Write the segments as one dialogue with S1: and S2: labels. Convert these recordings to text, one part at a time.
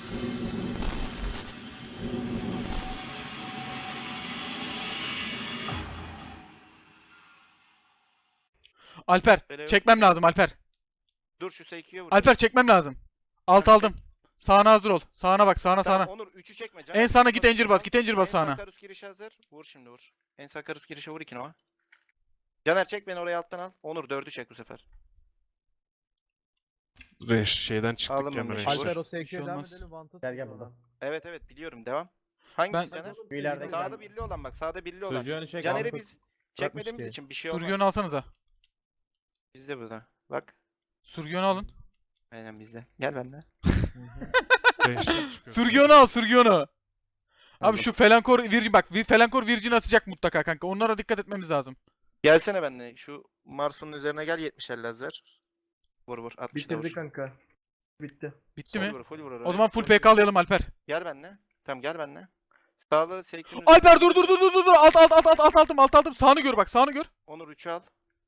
S1: Alper
S2: Böyle
S1: çekmem
S2: yok.
S1: lazım Alper.
S2: Dur şu S2'ye vur.
S1: Alper çekmem lazım. Alt
S2: Tamam,
S1: aldım. Sağına hazır ol. Sağına bak, sağına
S2: Tamam
S1: sağına.
S2: Onur 3'ü çekme.
S1: En sağına git, Angel bas. Git Angel bas
S2: En
S1: sağına.
S2: sağ Karus girişi hazır. Vur şimdi vur. En sağ Karus girişe vur 2 Nova. Caner çek beni oraya alttan al. Onur 4'ü çek bu sefer.
S3: Şeyden çıktık
S2: Aldım
S3: ya
S2: onu,
S3: Range'den.
S2: Alper,
S4: Alper o
S1: Bir şey
S4: SQ'ye devam
S1: olmaz.
S4: edelim. Vant'a
S5: Gel, gel
S4: sıkıyor
S5: buradan.
S4: lan.
S2: Evet evet biliyorum devam. Hangisi
S1: Ben-
S2: Caner?
S5: Bir ileride
S2: Sağda birli olan bak. Sağda birli olan.
S5: Sürücüğünü çek.
S2: Caner'i
S5: Ankut.
S2: biz çekmediğimiz
S5: ki.
S2: için bir şey olmaz.
S1: Surgiyonu alsanıza.
S2: Bizde burada. Bak.
S1: Surgiyonu alın.
S2: Aynen bizde. Gel benimle.
S3: Range'den çıkıyor.
S1: Surgiyonu al, Surgiyonu. Abi
S2: Aldım.
S1: şu Felankor Virgin bak. Felankor Virgin atacak mutlaka kanka. Onlara dikkat etmemiz lazım.
S2: Gelsene benimle. Şu Mars'un üzerine gel 70'er lazer. Vur vur. 60 da vur.
S6: Bitirdi kanka. Bitti.
S1: Bitti
S2: Full
S1: mi?
S2: vur, full vur oraya.
S1: O zaman full
S2: Full
S1: PK alayalım Alper.
S2: Gel benimle. Tamam gel benimle. Sağda Seykin'in
S1: Alper dur. Alt aldım. Sağını gör bak, sağını gör.
S2: Onur 3'ü al.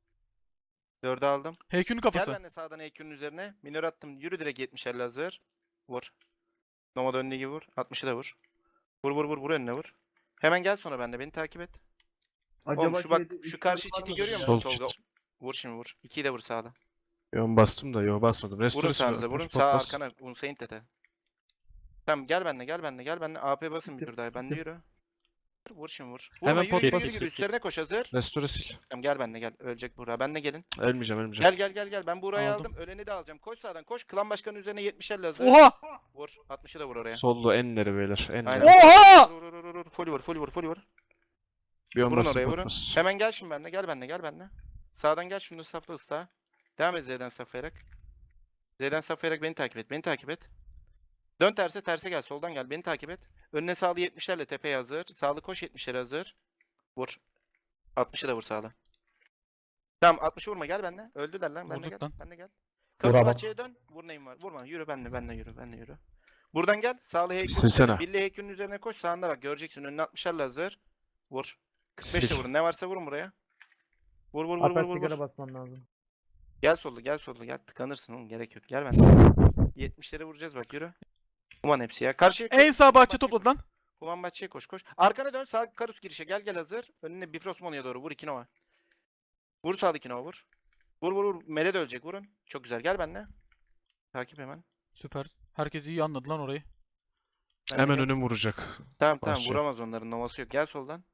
S2: 4'ü aldım.
S1: Heykünün
S2: Gel
S1: kafası.
S2: benimle sağdan EQ'nun üzerine. Minör attım. Yürü direkt 70'er lazer. Vur. Nomad önüne gibi vur. 60'ı da vur. Vur önüne vur. Hemen gel sonra bende. Beni takip et. Oğlum şu bak şu karşı çiti görüyor musun
S3: Sol
S2: Tolga?
S3: çit.
S2: Vur şimdi vur. 2'yi de vur sağda.
S3: Yo bastım da yo basmadım.
S2: Vurun
S3: Restorası
S2: sağınıza vurun. Sağ arkana. Unsain tete. Tamam gel benimle. AP basın bir tur daha. Bende yürü. Vur şimdi vur. Vurma,
S3: Hemen
S2: yürü,
S3: pot
S2: yürü,
S3: bas.
S2: yürü. Üstlerine koş hazır.
S3: Restore sil.
S2: Tamam gel benimle gel. Ölecek Buğra. Benle gelin.
S3: Ölmeyeceğim.
S2: Gel. Ben Buğra'yı
S1: Aldım.
S2: aldım. Öleni de alacağım. Koş sağdan koş. Klan başkanının üzerine 70'er hazır.
S1: Oha!
S2: Vur. 60'ı da vur oraya.
S3: Sollu enleri beyler.
S2: Aynen.
S3: Enleri.
S1: Oha!
S2: Vur. Full vur.
S3: Bir on
S2: Vurun
S3: basın
S2: oraya vurun.
S3: potmaz.
S2: Hemen gel şimdi benimle. Gel benimle. Sağdan gel şunu safla ısla. Devam et Z'den saflayarak. Beni takip et. Dön terse gel. Soldan gel. Beni takip et. Önüne sağlı 70'lerle tepeye hazır. Sağlı koş 70'lere hazır. Vur. 60'ı da vur sağlı. Tamam 60'ı vurma gel benimle. Öldüler lan. Benimle
S1: Vurduk
S2: gel.
S1: lan.
S2: Benimle gel.
S5: Vur
S2: Kapı
S5: ama.
S2: bahçeye dön. Vur neyim var. Vurma. Yürü benimle yürü. Buradan gel. Sağlı heykül.
S3: Silsene.
S2: Birli heykülün üzerine koş. Sağında bak. Göreceksin. Önüne 60'larla hazır. Vur. 45'le
S3: Sil.
S2: vurun. Ne varsa vurun buraya. Vur.
S4: Alper sigara basman lazım.
S2: Gel sollu gel. Tıkanırsın oğlum. Gerek yok. Gel ben. 70'lere vuracağız bak yürü. Human hepsi ya. Karşıya koş.
S1: En sağ
S2: Human
S1: bahçe
S2: bahçeye
S1: topladı
S2: koş.
S1: lan.
S2: Human bahçeye koş. Arkana dön. Sağ Karus girişe. Gel hazır. Önüne Bifrost Mono'ya doğru. Vur 2 Nova. Vur sağdaki Nova vur. Vur. Mele de ölecek. Vurun. Çok güzel. Gel benimle. Takip hemen.
S1: Süper. Herkes iyi anladı lan orayı.
S2: Benimle
S3: Hemen
S2: gel.
S3: önüm vuracak.
S2: Tamam
S3: Bahçe.
S2: vuramaz onların. Novası yok. Gel soldan.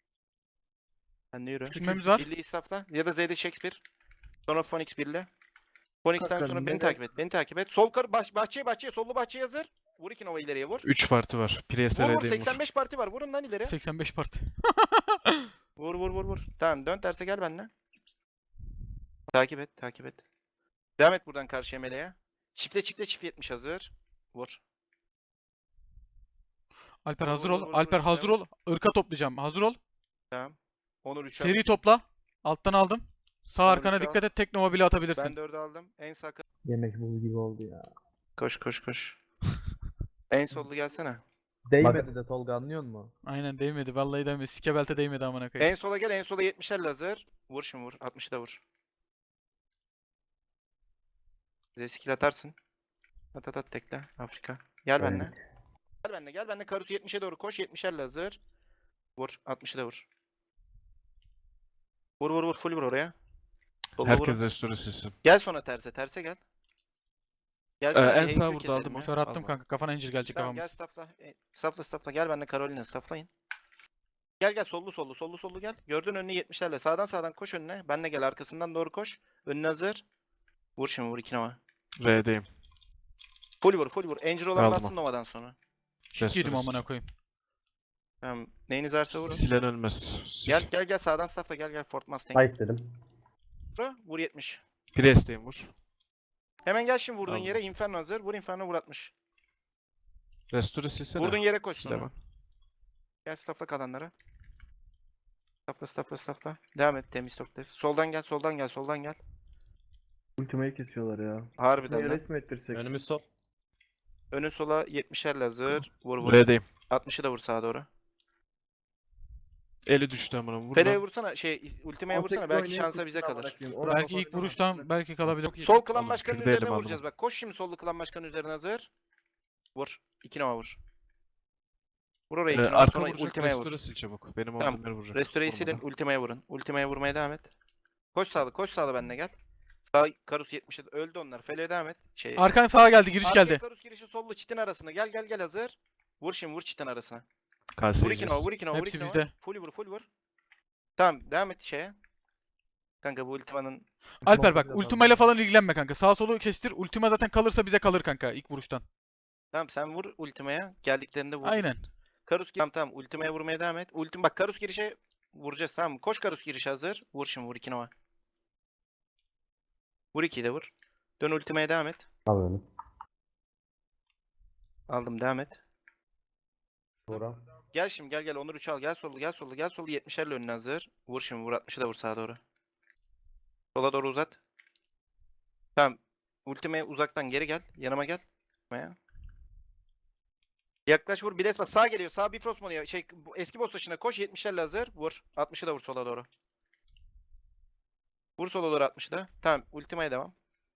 S2: Sen de yürü.
S1: Küçülmemiz var.
S2: Birliği safla. Ya da Z'de Shakespeare. Sonra Phoenix birle. Phoenix'ten sonra beni takip et. Sol karı bahçeye sollu bahçeye hazır. Vur 2 Nova ileriye vur.
S3: 3 parti var. Priest'e
S2: Vur
S3: redeyim vur.
S2: 85 parti var. Vurun lan ileri.
S1: 85 parti.
S2: Vur. Tamam dön terse gel benimle. Takip et. Devam et buradan karşıya meleğe. Çift 70 hazır. Vur.
S1: Alper
S2: Vur,
S1: hazır
S2: vur,
S1: ol.
S2: vur,
S1: Alper
S2: vur.
S1: hazır ol. Irka toplayacağım. Hazır ol.
S2: Tamam. Onur 3
S1: Seri topla. Alttan aldım. Sağ
S2: Onur
S1: arkana
S2: üç al.
S1: dikkat et. Tek Nova bile atabilirsin.
S2: Ben 4'ü aldım. En sağ
S4: Yemek buz gibi oldu ya.
S2: koş. En sollu gelsene.
S4: Değmedi de Tolga anlıyor musun?
S1: Aynen değmedi. Vallahi değmedi. Sike belte değmedi amına koyayım.
S2: En sola gel. En sola 70'er hazır. Vur şimdi vur. 60'ı da vur. Z-skill atarsın. At tekle. Afrika. Gel benimle. Gel benimle. Karus 70'e doğru koş. 70'erle hazır. Vur. 60'ı da vur. Vur. Full vur oraya. Solla
S3: Herkes
S2: vurun.
S3: restore silsin.
S2: Gel sonra terse gel. Gel
S3: En sağ vurdu aldım o.
S1: Kör attım
S3: Alma.
S1: kanka. Kafana incir gelecek
S2: Tamam gel
S1: kafamız.
S2: staffla. Gel benimle Carolina stafflayın. Gel sollu gel. Gördün önüne 70'lerle. Sağdan koş önüne. Benle gel arkasından doğru koş. Önüne hazır. Vur şimdi vur 2 Nova.
S3: R'deyim.
S2: Full vur. Angel olan
S3: Aldım
S2: bassın Nova'dan sonra.
S1: Yedim amına koyayım.
S2: Tamam. Neyiniz varsa vurun.
S3: Silen ölmez. Sil.
S2: Gel sağdan staffla gel Fort Mustang.
S5: Ay istedim.
S2: Vur 70.
S3: Priest'teyim vur.
S2: Hemen gel şimdi vurduğun
S3: Aldım.
S2: yere Inferno hazır. Vur Inferno vur 60.
S3: Restore silsene.
S2: Vurduğun yere koş
S3: Sil
S2: sonra.
S3: hemen.
S2: Gel staffla kalanlara. Staffla. Devam et temiz toples. Soldan gel.
S6: Ultimayı kesiyorlar ya.
S2: Harbiden
S6: Buraya
S2: lan.
S6: resmi ettirsek.
S5: Önümüz sol.
S2: Önün sola 70'erle hazır. Vur.
S3: R'deyim.
S2: 60'ı da vur sağa doğru.
S3: Eli düştü amına vur
S2: Fere'ye
S3: lan.
S2: vursana ultimeye
S6: 18'de
S2: vursana belki
S6: oynayıp
S2: şansa bize
S6: ultimi
S2: kalır.
S6: bırakayım. Oraya
S1: Belki ilk
S6: baksana.
S1: vuruştan belki kalabilir.
S2: Sol klan
S3: Oğlum,
S2: başkanının
S3: kürdeyle
S2: üzerine
S3: mi
S2: vuracağız bak. Koş şimdi sollu klan başkanının üzerine hazır. Vur. 2 Nova vur. Vur oraya 2 Nova
S3: Arka
S2: sonra
S3: vuracak,
S2: ultimaya vur.
S3: restore sil çabuk. Benim
S2: Tamam,
S3: olduğum yere vuracak.
S2: Restore'yi silin
S3: Vurmadan.
S2: ultimaya vurun. Ultimaya vurmaya devam et. Koş sağlı benimle gel. Sağ Karus 70'e öldü onlar. Fele'ye devam et.
S1: Arkan sağa geldi, giriş
S2: Arkaya
S1: geldi.
S2: Karus girişi sollu çitin arasına. Gel hazır. Vur şimdi vur çitin arasına.
S3: KS
S2: Vur 2 Nova vur 2 Nova vur
S1: Hepsi
S2: 2 Nova.
S1: bizde.
S2: Full vur. Tamam devam et şeye. Kanka bu ultimanın
S1: Alper bak,
S4: Ultima
S1: ultimayla falan ilgilenme kanka. Sağ solu kestir. Ultima zaten kalırsa bize kalır kanka ilk vuruştan.
S2: tamam sen vur ultimaya. Geldiklerinde vur.
S1: Aynen.
S2: Karus tamam ultimaya vurmaya devam et. Bak Karus girişe vuracağız tamam mı? Koş Karus giriş hazır. Vur şimdi vur 2 Nova. Vur 2'yi de vur. Dön ultimaya devam et.
S5: Alıyorum.
S2: Aldım devam et.
S5: Buğra.
S2: Gel şimdi gel Onur 3 al. Gel sollu 70'lerle önüne hazır. Vur şimdi vur 60'ı da vur sağa doğru. Sola doğru uzat. Tamam. Ultimeye uzaktan geri gel. Yanıma gel. Ultimeye. Yaklaş vur. Biles bas. Sağ geliyor. Sağ Bifrost Monu'ya. Eski boss taşına koş. 70'lerle hazır. Vur. 60'ı da vur sola doğru. Vur sola doğru 60'ı da. Tamam. Ultimeye devam.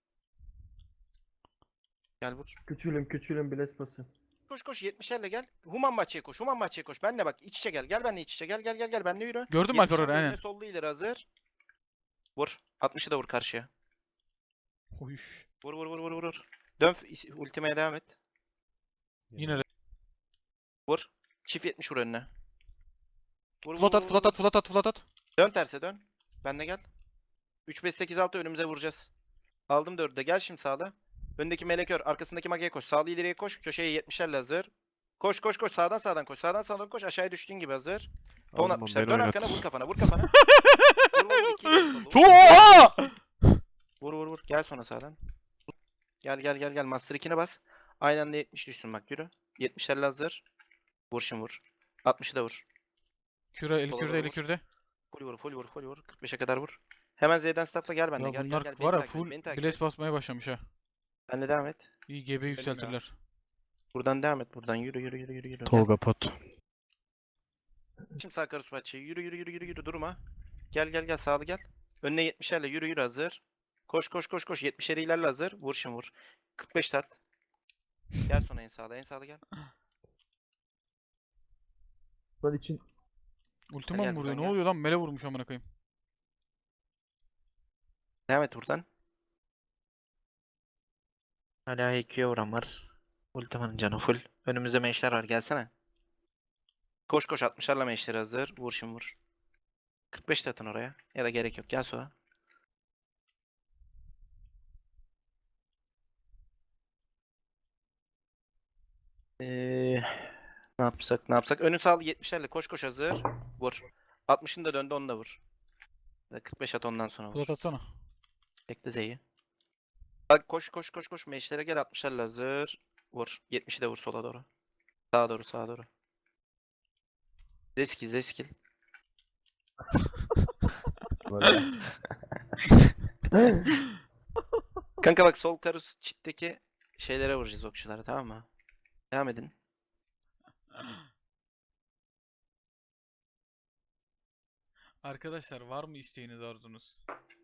S2: Gel vur.
S6: Küçülüm Blespas'ı.
S2: Koş 70'lerle gel. Human bahçeye koş. Benle bak. İç içe gel. Gel benle iç içe. Gel. Benle yürü.
S1: Gördün mü Alper
S2: 70'lerle
S1: orayı? Aynen.
S2: önüne sollu ileri hazır. Vur. 60'ı da vur karşıya.
S1: Uyuş.
S2: Vur. Dön ultimeye devam et.
S1: Yine
S2: Vur. Çift 70 vur önüne. Vur,
S1: flat at.
S2: Dön terse dön. Ben de gel. 3 5 8 6 önümüze vuracağız. Aldım 4'ü de. Gel şimdi sağda. Öndeki melekör, arkasındaki magiye koş. Sağlı ileriye koş. Köşeye 70'lerle hazır. Koş. Sağdan koş. Sağdan koş. Aşağıya düştüğün gibi hazır. Ton
S3: Aldım,
S2: 60'lar.
S3: beni
S2: Dön
S3: oynat.
S2: arkana vur kafana. Vur. 2 vur.
S1: Oha!
S2: Vur. Gel sonra sağdan. Gel. Master 2'ne bas. Aynı anda 70 düşsün bak yürü. 70'lerle hazır. Vur şimdi vur. 60'ı da vur.
S1: Küre, eli
S2: Sola
S1: kürde,
S2: doğru
S1: eli
S2: vur.
S1: kürde.
S2: Full vur. 45'e kadar vur. Hemen Z'den staffla gel benimle.
S1: Ya
S2: Gel.
S1: bunlar
S2: Beni
S1: var ya
S2: takip et,
S1: full
S2: beni takip et.
S1: blaze basmaya başlamış ha.
S2: Benle devam et.
S1: İyi GB
S2: Benim
S1: yükseltirler.
S2: Buradan devam et. Buradan yürü. Gel.
S3: Tolga pot.
S2: Şimdi sağ karısı bahçeyi. Yürü. Durma. Gel. Sağlı gel. Önüne 70'lerle yürü hazır. Koş. 70'leri ilerle hazır. Vur şimdi vur. 45 tat. Gel sonra en sağda gel.
S4: Lan için
S1: Ultima
S2: Gel
S1: mı vuruyor?
S2: buradan
S1: Ne
S2: gel.
S1: oluyor lan? Mele vurmuş amına koyayım.
S2: Devam et buradan. Hala HQ'ya vuran var. Ultimanın canı full. Önümüzde meşler var. Gelsene. Koş 60'larla meşleri hazır. Vur şimdi vur. 45 de atın oraya. Ya da gerek yok. Gel sonra. Ne yapsak? Önü sağlı 70'lerle koş hazır. Vur. 60'ın da döndü onu da vur. Ya da 45 at ondan sonra vur.
S1: Flat atsana.
S2: Bekle Z'yi. Bak koş. Meşlere gel 60'larla hazır. Vur. 70'i de vur sola doğru. Sağa doğru. Zeskil.
S5: Böyle.
S2: Kanka bak sol karus çitteki şeylere vuracağız okçulara tamam mı? Devam edin.
S1: Arkadaşlar var mı isteğiniz arzunuz?